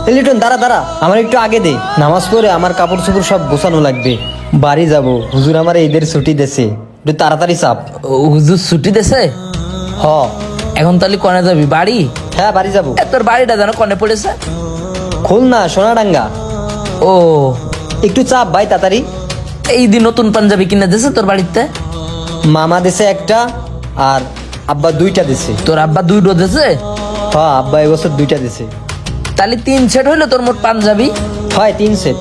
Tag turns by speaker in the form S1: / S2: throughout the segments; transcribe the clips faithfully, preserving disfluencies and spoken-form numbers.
S1: এ লিটন দাঁড়া দাঁড়া, আমার একটু আগে দে। নামাজ পড়ে আমার কাপড় চোপড় সব গোছানো লাগবে, বাড়ি যাব। হুজুর আমার ঈদের ছুটি দেছে, একটু তাড়াতাড়ি চাপ।
S2: ও, হুজুর ছুটি দেছে?
S1: হ।
S2: এখন তাহলে কনে যাবি? বাড়ি?
S1: হ্যাঁ বাড়ি যাব।
S2: এ, তোর বাড়িটা যেন কনে পড়েছে?
S1: খুলনা সোনাডাঙ্গা।
S2: ও,
S1: একটু চাপ ভাই তাড়াতাড়ি।
S2: এই দিন নতুন পাঞ্জাবি কিনে দিছে তোর বাড়িতে?
S1: মামা দেছে একটা আর আব্বা দুইটা দিছে।
S2: তোর আব্বা দুইটো দিছে?
S1: হ্যাঁ আব্বা এবছর দুইটা দিছে।
S2: তাহলে তিন সেট হইলো তোর মোট পাঞ্জাবি।
S1: হয় তিন সেট।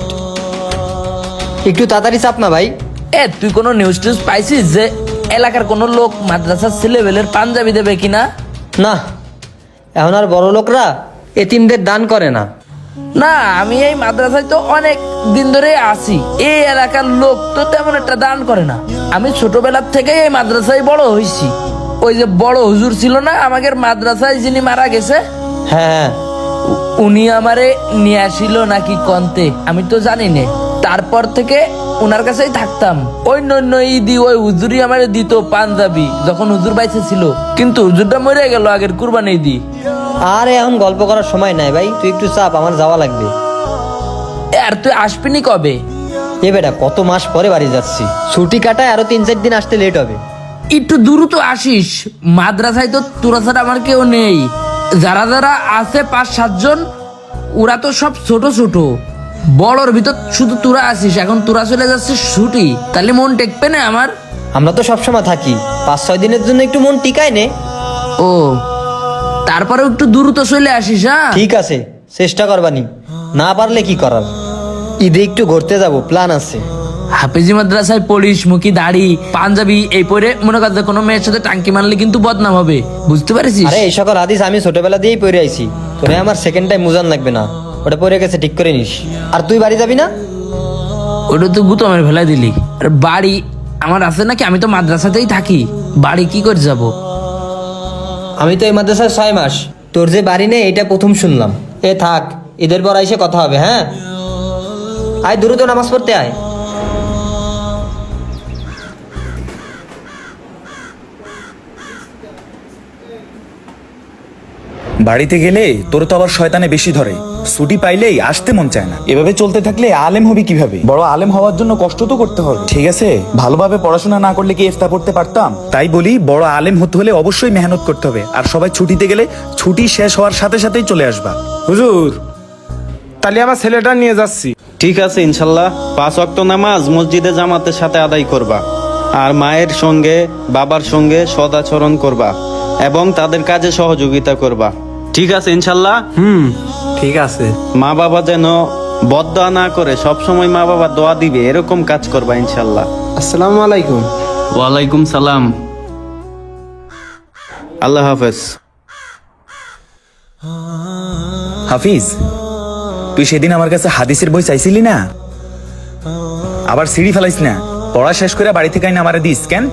S1: একটু তাড়াতাড়ি চাপ না ভাই।
S2: এ তুই কোনো নিউজ টিউজ পাইছিস যে এলাকার কোনো লোক মাদ্রাসার ছেলেবেলের পাঞ্জাবি দেবে কিনা?
S1: না, এখন আর বড় লোকরা এতিমদের দান করে না।
S2: না, আমি এই মাদ্রাসায় তো অনেক দিন ধরে আছি, এই এলাকার লোক তো তেমন একটা দান করে না। আমি ছোটবেলার থেকে এই মাদ্রাসায় বড় হয়েছি। ওই যে বড় হুজুর ছিল না আমাদের মাদ্রাসায়, যিনি মারা গেছে,
S1: হ্যাঁ হ্যাঁ।
S2: উ- উনি আমারে নিয়ে আসিল নাকি কন্তে, আমি তো জানি না। তারপর থেকে ওনার কাছেই থাকতাম। ওই নন্য ঈদি ওই হুজুরই আমারে দিত পাঞ্জাবি যখন হুজুর বাইসে ছিল, কিন্তু হুজুরটা মরে গেল আগের কুরবানি ঈদি।
S1: আর এখন গল্প করার সময় নাই ভাই, তুই একটু চাপ, আমার যাওয়া লাগবে।
S2: এ, আর তুই আসবিনি কবে?
S1: এ বেটা কত মাস পরে বাড়ি যাচ্ছি, ছুটি কাটায় আরো তিন চার দিন আসতে লেট হবে।
S2: একটু দ্রুত আসিস, মাদ্রাসায় তো তোরা ছাড়া আমার কেউ নেই। যারা যারা আছে পাঁচ সাতজন, ওরা তো সব ছোট ছোট। বড়র ভিতর শুধু তোরা আসিস, এখন তোরা চলে যাচ্ছিস ছুটি, তাহলে মন টেকবে না আমার?
S1: আমরা তো সবসময় থাকি, পাঁচ ছয় দিনের জন্য একটু মন টিকায় নে।
S2: ও, তারপরে একটু দ্রুত চলে আসিস। হ্যাঁ
S1: ঠিক আছে, চেষ্টা করবানি, না পারলে কি করার। ঈদে একটু ঘুরতে যাব, প্ল্যান আছে।
S2: হাফেজি মাদ্রাসায় পড়িস, মুখি দাড়ি পাঞ্জাবি এই পরে মনে কর যে কোনো মেয়ের সাথে টাঙ্কি মারলে কিন্তু বদনাম হবে, বুঝতে পারিস?
S1: আরে এই সকল হাদিস আমি ছোটবেলা দিয়েই পড়ে আইছি, তোরে আমার সেকেন্ড টাইম মুজান লাগবে না, ওটা পড়ে গেছে, ঠিক করে নিস। আর তুই বাড়ি যাবি না?
S2: ওটা তো গুতমের ফেলাই দিলি। আর বাড়ি আমার আছে নাকি? আমি তো মাদ্রাসাতেই থাকি, বাড়ি কি করে যাব?
S1: আমি তো এই মাদ্রাসায় ছয় মাস, তোর যে বাড়ি নেই এটা প্রথম শুনলাম। এ থাক, ঈদের পর আইসে কথা হবে। হ্যাঁ আয়, দ্রুত নামাজ পড়তে আয়।
S3: বাড়িতে গেলে তোর তো আবার শয়তানে বেশি ধরে, ছুটি পাইলেই আসতে মন চায় না। এভাবে চলতে থাকলে আলেম হবি কিভাবে? বড় আলেম হওয়ার জন্য কষ্ট তো করতে হবে, ঠিক আছে? ভালোভাবে পড়াশোনা না করলে কি ইফতা পড়তে পারতাম? তাই বলি, বড় আলেম হতে হলে অবশ্যই মেহনত করতে হবে। আর সবাই ছুটিতে গেলে ছুটি শেষ হওয়ার সাথে সাথেই চলে আসবা।
S4: হুজুর, তাহলে আমার ছেলেটা নিয়ে যাচ্ছি।
S5: ঠিক আছে ইনশাল্লাহ, পাঁচ ওয়াক্ত নামাজ মসজিদে জামাতের সাথে আদায় করবা, আর মায়ের সঙ্গে বাবার সঙ্গে সদাচরণ করবা এবং তাদের কাজে সহযোগিতা করবা। ঠিক আছে ইনশাল্লাহ।
S4: হুম, ঠিক আছে।
S5: মা বাবা যেন বদদোয়া না করে, সব সময় মা বাবা দোয়া দিবে এরকম কাজ করবা ইনশাল্লাহ।
S4: আসসালামু আলাইকুম।
S5: ওয়ালাইকুম সালাম। আল্লাহ হাফেজ।
S3: হাফিজ, তুই সেদিন আমার কাছে হাদিসের বই চাইছিলি না? আবার সিঁড়ি ফেলাইস না, পড়া শেষ করে বাড়ি থেকে আইনা আমারে দিস কেন?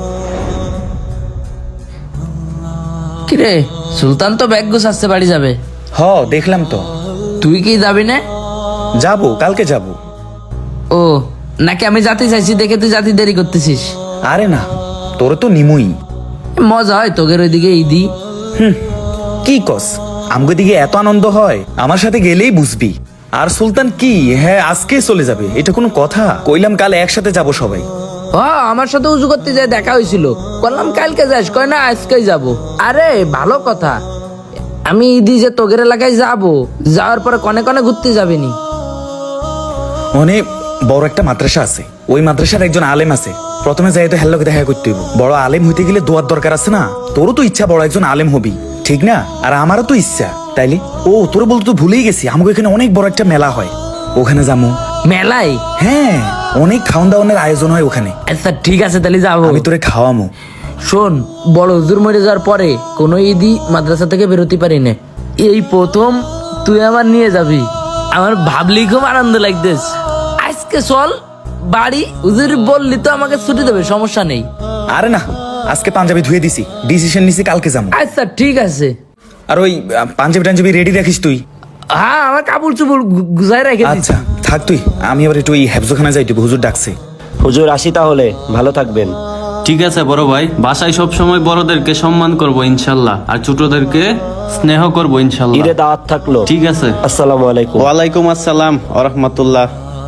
S2: কিরে, সুলতান তো ব্যাগ গুছাচ্ছে, বাড়ি যাবে।
S3: হ, দেখলাম তো।
S2: তুই কি যাবি না?
S3: যাবো, কালকে যাবো।
S2: ও, নাকি আমি জাতি চাইছি দেখে তুই জাতি দেরি করতেছিস?
S3: আরে না, তোর তো নিমুই।
S2: মজা হয় তোগের ওইদিকে ঈদি।
S3: হুম, কি কস? আমগো দিকে এত আনন্দ হয়, আমার সাথে গেলেই বুঝবি। আর সুলতান কি, হ্যাঁ আজকে চলে যাবে, এটা কোনো কথা? কইলাম কাল একসাথে যাব সবাই।
S2: হ্যাঁ, আমার সাথে উজু করতে যায় দেখা হয়েছিল, বললাম কালকে যাস, কয় না আজকেই যাব। আরে ভালো কথা, আমি ঈদি যে তোগের এলাকায় যাব, যাওয়ার পরে কনে কনে ঘুরতে যাবিনি?
S3: অনেক বড় একটা মাদ্রাসা আছে, ওই মাদ্রাসার একজন আলেম আছে। প্রথমে যাই তো হেল্লোকে দেখা করতে হইব। বড় আলেম হইতে গেলে দোয়ার দরকার আছে না? তোরও তো ইচ্ছা বড় একজন আলেম হবি, ঠিক না? আর আমারও তো ইচ্ছা, তাইলে ও তোর বলতে তো ভুলেই গেছি, আমাকে এখানে অনেক বড় একটা মেলা হয়, ওখানে যাবো।
S2: মেলায়?
S3: হ্যাঁ, অনেক খাওয়ান দাওয়ানের আয়োজন হয় ওখানে।
S2: আচ্ছা ঠিক আছে, তাহলে যাবো।
S3: আমি তোরে খাওয়ামো।
S2: শোন, বড় হুজুর মরে যাওয়ার পরে কোনো ঈদই মাদ্রাসা থেকে বেরোতে পারি না, এই প্রথম তুই আমার নিয়ে যাবি। আমার ভাবলি খুব আনন্দ লাগতেছে। আজকে চল বাড়ি, হুজুর বললি তো আমাকে ছুটি দেবে, সমস্যা নেই।
S3: আরে না, আজকে পাঞ্জাবি ধুয়ে দিছি, ডিসিশন নিছি কালকে যাবো।
S2: আচ্ছা ঠিক আছে।
S3: আর ওই আহ, পাঞ্জাবি টাঞ্জাবি রেডি রাখিস তুই।
S2: হ্যাঁ, আমার কাপড় চুপড় গু- গুছাই রেখে দিচ্ছি।
S3: আচ্ছা থাক তুই, আমি আবার একটু ওই হেফজোখানা যাইতে, হুজুর ডাকছে।
S6: হুজুর আসি তাহলে, ভালো থাকবেন।
S5: ঠিক আছে বড় ভাই, বাসায় সব সময় বড়দেরকে সম্মান করব ইনশাল্লাহ, আর ছোটদেরকে স্নেহ করব ইনশাল্লাহ।
S6: ঈদে দাওয়াত থাকলো।
S5: ঠিক আছে।
S6: আসসালামু আলাইকুম।
S5: ওয়ালাইকুম আসসালাম ওয়া রাহমাতুল্লাহ।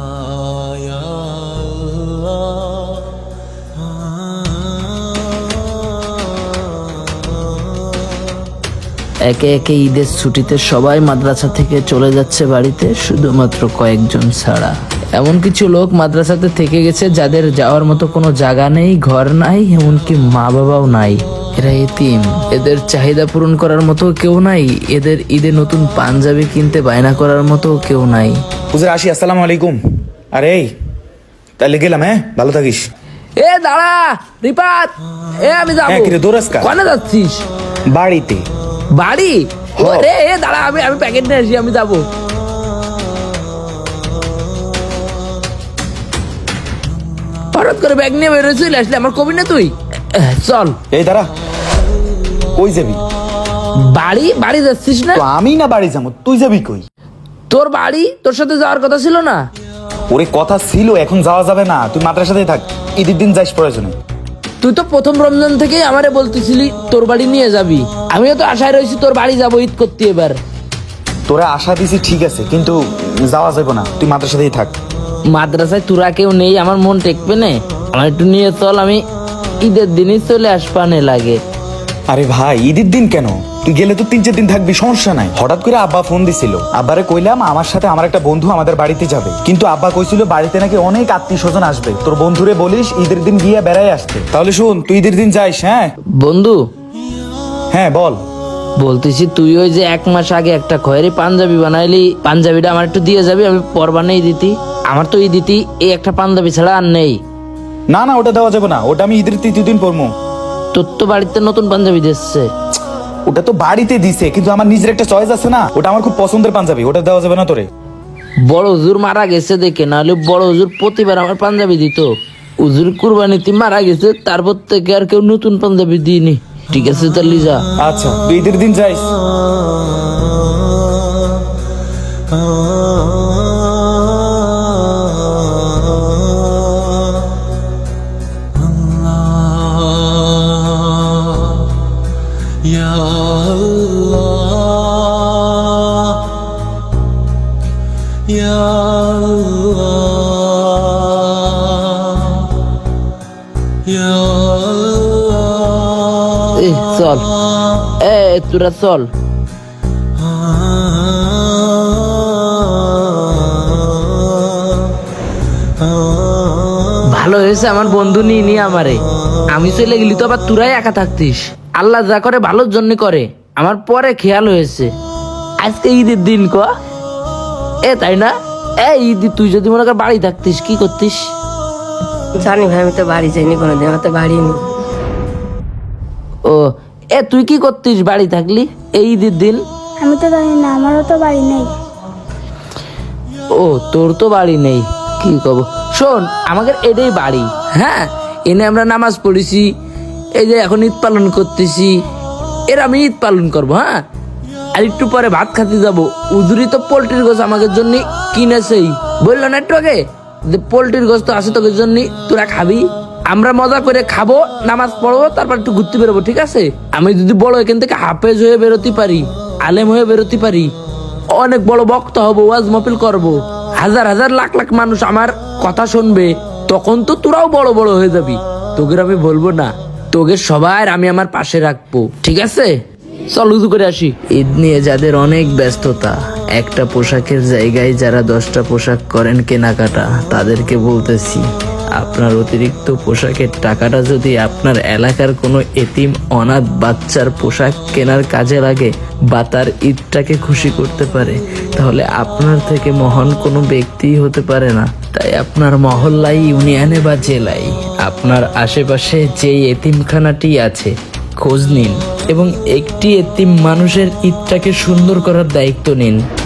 S2: একে একে ঈদের ছুটিতে সবাই মাদ্রাসা থেকে চলে যাচ্ছে বাড়িতে, শুধুমাত্র কয়েকজন ছাড়া। এমন কিছু লোক মাদ্রাসাতে থেকে গেছে যাদের যাওয়ার মতো কোনো জায়গা নেই, ঘর নাই, এমনকি মা বাবাও নাই। এরা এতিম, এদের চাহিদা পূরণ করার মতো কেউ নাই, এদের ঈদে নতুন পাঞ্জাবি কিনতে বায়না করার মতো কেউ নাই।
S3: হুজুর আসি, আসসালামু আলাইকুম। আরে এই, তাহলে গেলাম, হ্যাঁ ভালো থাকিস।
S2: এ দাঁড়া রিপাত, এ আমি যাবো।
S3: হ্যাঁ, কিরে, দৌড়াস কা?
S2: কোনে যাচ্ছিস?
S3: বাড়িতে।
S2: বাড়ি? ও রে, এ দাঁড়া, আমি আমি প্যাকেট নিয়ে আসি, আমি যাবো। হঠাৎ করে ব্যাগ নিয়ে বেরোয় চলে আসলে, আমার কবি না তুই? এহ, চল।
S3: এই দাঁড়া, কই যাবি?
S2: বাড়ি? বাড়ি যাচ্ছিস না?
S3: তো আমি না বাড়ি যাবো, তুই যাবি কই?
S2: তোর বাড়ি, তোর সাথে যাওয়ার কথা ছিল না?
S3: ওরে কথা ছিল, এখন যাওয়া যাবে না, তুই মাদ্রাসাতেই থাক, ঈদের দিন যাইস প্রয়োজনে।
S2: তুই তো প্রথম রমজান থেকে আমারে বলতেছিলি তোর বাড়ি নিয়ে যাবি, আমিও তো আশায় রয়েছি তোর বাড়ি যাবো ঈদ করতে। এবার
S3: তোরা আশা দিছি ঠিক আছে, কিন্তু যাওয়া যাবে না, তুই মাদ্রাসাতেই থাক।
S2: মাদ্রাসায় তোরা কেউ নেই, আমার মন টেকবে না, আমার একটু নিয়ে চল, আমি ঈদের দিনই চলে আসবানে লাগে।
S3: আরে ভাই, ঈদের দিন কেন? তুই গেলে তো তিন চার দিন থাকবি, সমস্যা নাই। হঠাৎ করে আব্বা ফোন দিছিল, আব্বারে কইলাম আমার সাথে আমার একটা বন্ধু আমাদের বাড়িতে যাবে, কিন্তু আব্বা কইছিল বাড়িতে নাকি অনেক আত্মীয় স্বজন আসবে, তোর বন্ধুরে বলিস ঈদের দিন গিয়ে বেড়াই আসতে। তাহলে শুন, তুই ঈদের দিন যাইস। হ্যাঁ
S2: বন্ধু,
S3: হ্যাঁ বল।
S2: বলতেছি তুই ওই যে এক মাস আগে একটা খয়েরি পাঞ্জাবি বানাইলি, পাঞ্জাবিটা আমার একটু দিয়ে যাবি, আমি পর বানাই দিতি। আমার তো এই দিতি এই একটা পাঞ্জাবি ছাড়া আর নেই।
S3: না না, ওটা দেওয়া যাবে না, ওটা আমি ঈদের তৃতীয় দিন পরবো।
S2: তোর তো বাড়িতে নতুন পাঞ্জাবি দিচ্ছে।
S3: ওটা তো বাড়িতে দিছে, কিন্তু আমার নিজের একটা চয়েস আছে না, ওটা আমার খুব পছন্দের পাঞ্জাবি, ওটা দেওয়া যাবে না তোরে।
S2: বড় হুজুর মারা গেছে দেখে, নাহলে বড় হুজুর প্রতিবার আমার পাঞ্জাবি দিত। হুজুর কুরবানিতে মারা গেছে, তারপর থেকে আর কেউ নতুন পাঞ্জাবি দিইনি। ঠিক আছে তাহলে যা।
S3: আচ্ছা, তুই ঈদের দিন যাইস।
S2: এ চল, এ তোরা চল। ভালো হয়েছে আমার বন্ধু নিয়ে নিয়ে আমারে, আমি চলে গেলি তো আবার তোরাই একা থাকতিস। আল্লাহ যা করে ভালোর জন্য করে, আমার পরে খেয়াল হয়েছে আজকে ঈদের দিন ক এ, তাই না? এই ঈদ তুই যদি মনে কর বাড়ি থাকতিস কি করতিস?
S7: জানি ভাই, আমি তো বাড়ি যাইনি কোনোদিন, আমার তো বাড়ি নেই।
S2: ও এ, তুই কি করতিস বাড়ি থাকলি এই ঈদের দিন?
S8: আমি তো জানি না, আমারও তো বাড়ি নেই।
S2: ও তোর তো বাড়ি নেই, কি কব। শোন, আমাদের এটাই বাড়ি। হ্যাঁ, এনে আমরা নামাজ পড়েছি, এই যে এখন ঈদ পালন করতেছি, এর আমি ঈদ পালন করবো। হ্যাঁ, আর একটু পরে ভাত খাতে যাবো। উজুরি তো পোল্ট্রির গোছ আমাদের জন্য কিনেছেই, বললো না একটু আগে যে পোল্ট্রির গোছ তো আছে তোদের জন্য, তোরা খাবি। আমরা মজা করে খাবো, নামাজ পড়বো, তারপর একটু ঘুরতে বেরোবো। ঠিক আছে? আমি যদি বড় এখান থেকে হাফেজ হয়ে বেরোতে পারি, আলেম হয়ে বেরোতে পারি, অনেক বড় বক্তা হবো, ওয়াজ মাহফিল করবো, হাজার হাজার লাখ লাখ মানুষ আমার কথা শুনবে, তখন তো তোরাও বড় বড় হয়ে যাবি। তোকে আমি বলবো না, তোকে সবার আমি আমার পাশে রাখবো। ঠিক আছে? চল উজু করে আসি। ঈদ নিয়ে যাদের অনেক ব্যস্ততা, একটা পোশাকের জায়গায় যারা দশটা পোশাক করেন কেনাকাটা, তাদেরকে বলতেছি আপনার অতিরিক্ত পোশাকের টাকাটা যদি আপনার এলাকার কোনো এতিম অনাথ বাচ্চার পোশাক কেনার কাজে লাগে বা তার ঈদটাকে খুশি করতে পারে, তাহলে আপনার থেকে মহান কোনো ব্যক্তিই হতে পারে না। তাই আপনার মহল্লায়, ইউনিয়নে বা জেলায় আপনার আশেপাশে যেই এতিমখানাটি আছে খোঁজ নিন এবং একটি এতিম মানুষের ঈদটাকে সুন্দর করার দায়িত্ব নিন।